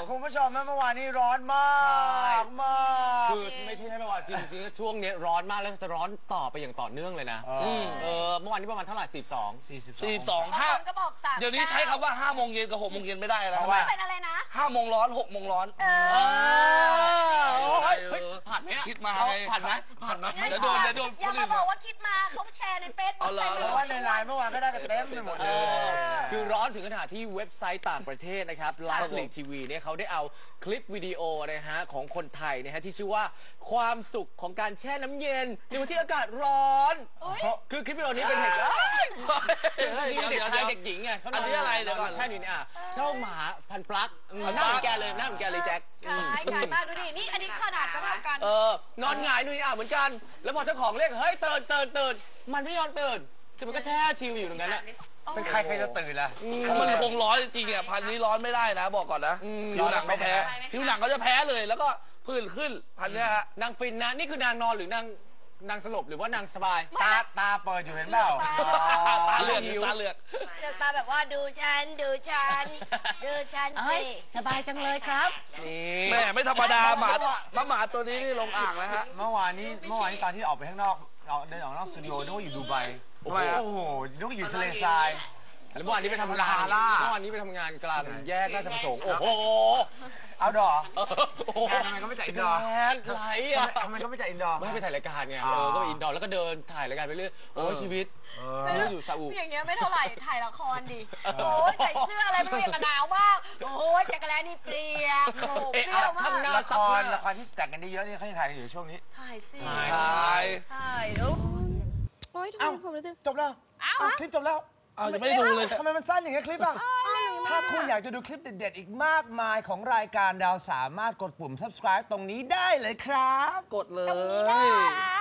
คุณผู้ชมเมื่อวานนี้ร้อนมากคือไม่ใช่เมื่อวานจริงๆช่วงนี้ร้อนมากแล้วจะร้อนต่อไปอย่างต่อเนื่องเลยนะเมื่อวานนี้ประมาณเท่าไหร่42 5ก็บอก3เดี๋ยวนี้ใช้คำว่า5 โมงเย็นกับ6 โมงเย็นไม่ได้แล้วไม่เป็นอะไรนะ 5 โมงร้อน6 โมงร้อนผ่านไหมคิดมาไงผ่านไหมเดี๋ยวโดนอย่ามาบอกว่าคิดมาเขาแชร์ในเฟซบุ๊กเพราะว่าในไลน์เมื่อวานก็ได้กันเต็มไปหมดเลยคือร้อนถึงขนาดที่เว็บไซต์ต่างประเทศนะครับ Live League TV เนี่ยเขาได้เอาคลิปวิดีโอนะฮะของคนไทยนะฮะที่ชื่อว่าความสุขของการแช่น้ำเย็นในวันที่อากาศร้อนคือคลิปวิดีโอนี้เป็นเหตุการณ์เด็กชายเด็กหญิงไงอันนี้อะไรเดี๋ยวก่อนใช่นี่อ่ะเจ้าหมาพันปลั๊กหน้าเหมือนแกเลยแจ็คคล้ายกันมากดูดินี่อันนี้ขนาดก็เท่ากันนอนหงายนู่นนี่เหมือนกันแล้วพอเจ้าของเรียกเฮ้ยตื่นมันไม่ยอมตื่นคือมันก็แช่ชิลอยู่ตรงนั้นอ่ะเป็นใครจะตื่นล่ะมันคงร้อนจริงๆอ่ะพันนี้ร้อนไม่ได้นะบอกก่อนนะผิวหนังเขาแพ้ผิวหนังเขาจะแพ้เลยแล้วก็ผื่นขึ้นพันนี้ฮะนางฟินนะนี่คือนางนอนหรือนางสลบหรือว่านางสบายตาเปิดอยู่เห็นเปล่าตาเหลือกตาแบบว่าดูฉันสิสบายจังเลยครับแม่ไม่ธรรมดาหมาตัวนี้นี่ลงอ่างนะฮะเมื่อวานนี้ตอนที่ออกไปข้างนอกเดินออกนอกสตูดิโอนึกว่าอยู่ดูไบโอ้โหนึกว่าอยู่ทะเลทรายแล้วเมื่อวานนี้ไปทำงานกลางแยกราชประสงค์โอ้โหเอาดอทำไมก็ไม่จ่ายอินดอร์ไรอ่ะทำไมก็ไม่จ่ายอินดอร์ไม่ไปถ่ายรายการไงก็ไปอินดอร์แล้วก็เดินถ่ายรายการไปเรื่อยโอ้ชีวิตอยู่ซาอุอย่างเงี้ยไม่เท่าไหร่ถ่ายละครดิโอ้ใส่เสื้ออะไรไม่รู้อย่างกระหนาวมากโอ้จักรแลนี่เปรี้ยวเปรี้ยวมากละครที่แต่งกันได้เยอะนี่เขาจะถ่ายอยู่ช่วงนี้ถ่ายสิถ่ายโอ้ยทำไมผมรู้สึกจบแล้วคลิปจบแล้วจะไม่ดูเลยทำไมมันสั้นอย่างเงี้ยคลิปอ่ะถ้าคุณอยากจะดูคลิปเด็ดๆอีกมากมายของรายการเราสามารถกดปุ่ม subscribe ตรงนี้ได้เลยครับกดเลย